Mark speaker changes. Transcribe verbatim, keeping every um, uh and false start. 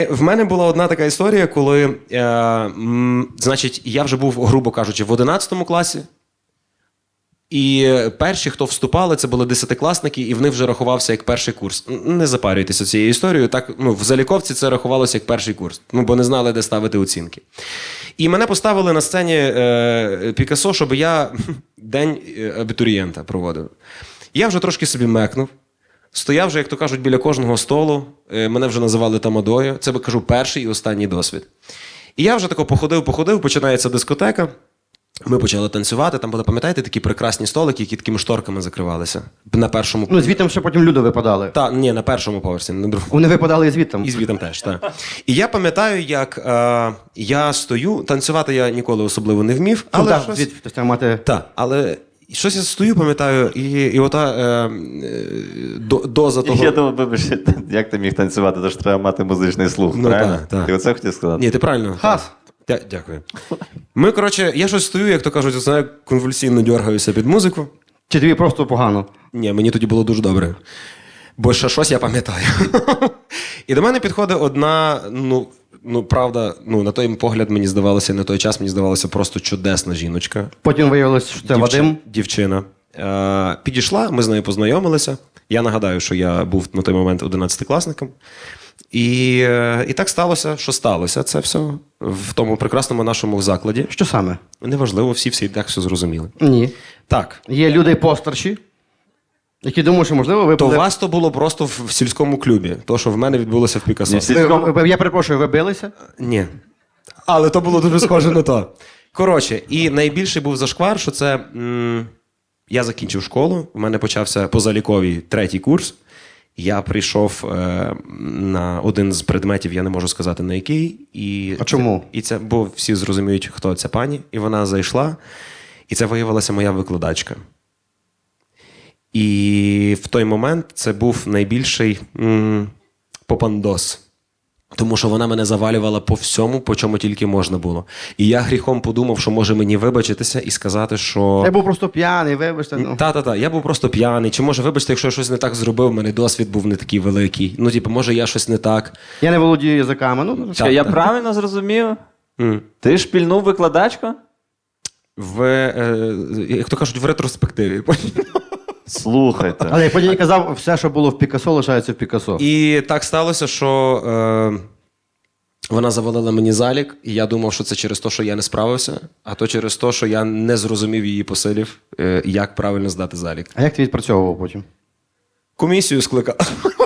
Speaker 1: В мене була одна така історія, коли, е, м, значить, я вже був, грубо кажучи, в одинадцятому класі. І перші, хто вступали, це були десятикласники, і в них вже рахувався як перший курс. Не запарюйтеся цією історією. Так, ну, в Заліковці це рахувалося як перший курс, ну, бо не знали, де ставити оцінки. І мене поставили на сцені е, Пікассо, щоб я день абітурієнта проводив. Я вже трошки собі мекнув. Стояв вже, як то кажуть, біля кожного столу. Е, мене вже називали тамадою. Це, кажу, перший і останній досвід. І я вже тако походив-походив, починається дискотека. Ми почали танцювати, там були, пам'ятаєте, такі прекрасні столики, які такими шторками закривалися. На першому...
Speaker 2: Ну, звідти ще потім люди випадали.
Speaker 1: Так, ні, на першому поверсі, на другому.
Speaker 2: Вони випадали і звідти.
Speaker 1: І звідти теж, так. І я пам'ятаю, як е, я стою, танцювати я ніколи особливо не вмів, але
Speaker 2: ну, так,
Speaker 1: щось...
Speaker 2: звідти хтось там мати...
Speaker 1: Так, але щось я стою, пам'ятаю, і, і ота е, е, до, доза того...
Speaker 3: Я думав, вибач, як ти міг танцювати, тож треба мати музичний слух,
Speaker 1: Ну,
Speaker 3: правильно?
Speaker 1: так, так.
Speaker 3: Ти оце хотів сказати?
Speaker 1: Ні, ти правильно.
Speaker 2: Хас.
Speaker 1: Дя- Дякую. Ми, коротше, я щось стою, як то кажуть, знаю, конвульсивно дергаюся під музику.
Speaker 2: Чи тобі просто погано?
Speaker 1: Ні, мені тоді було дуже добре. Бо ще щось я пам'ятаю. І до мене підходить одна, ну, ну, правда, ну, на той погляд мені здавалося, на той час мені здавалося просто чудесна жіночка.
Speaker 2: Потім виявилось, що це
Speaker 1: Дівчи-
Speaker 2: Вадим.
Speaker 1: Дівчина. Е, підійшла, ми з нею познайомилися. Я нагадаю, що я був на той момент одинадцятикласником. І, е, і так сталося, що сталося це все в тому прекрасному нашому закладі.
Speaker 2: Що саме?
Speaker 1: Неважливо, всі всі так все зрозуміли.
Speaker 2: Ні.
Speaker 1: Так.
Speaker 2: Є люди постарші, які думають, що, можливо, ви
Speaker 1: То
Speaker 2: були...
Speaker 1: у вас то було просто в, в сільському клубі, то, що в мене відбулося в Пікассо.
Speaker 3: Ні, всі-
Speaker 2: Ви- ви- Я перепрошую, ви билися?
Speaker 1: Ні. Але то було дуже схоже на то. Коротше, і найбільший був зашквар, що це... М- я закінчив школу, в мене почався позаліковий третій курс. Я прийшов е- на один з предметів, я не можу сказати на який. І
Speaker 2: А чому?
Speaker 1: Це, і це, бо всі зрозуміють, хто ця пані. І вона зайшла, і це виявилася моя викладачка. І в той момент це був найбільший м- попандос. Тому що вона мене завалювала по всьому, по чому тільки можна було. І я гріхом подумав, що може мені вибачитися і сказати, що...
Speaker 2: Я був просто п'яний, вибачте. Ну.
Speaker 1: Та-та-та, я був просто п'яний. Чи може, вибачте, якщо я щось не так зробив, в мене досвід був не такий великий. Ну, типу, може, я щось не так.
Speaker 2: Я не володію язиками. Ну,
Speaker 3: Чекай, я правильно зрозумів?
Speaker 1: М.
Speaker 3: Ти шпільнув викладачку?
Speaker 1: В, е, як то кажуть, в ретроспективі.
Speaker 3: Слухайте.
Speaker 2: Але як потім казав, все, що було в Пікассо, лишається в Пікассо.
Speaker 1: І так сталося, що е, вона завалила мені залік, і я думав, що це через те, що я не справився, а то через те, що я не зрозумів її посилів, е, як правильно здати залік.
Speaker 2: А як ти відпрацьовував потім?
Speaker 1: Комісію скликав.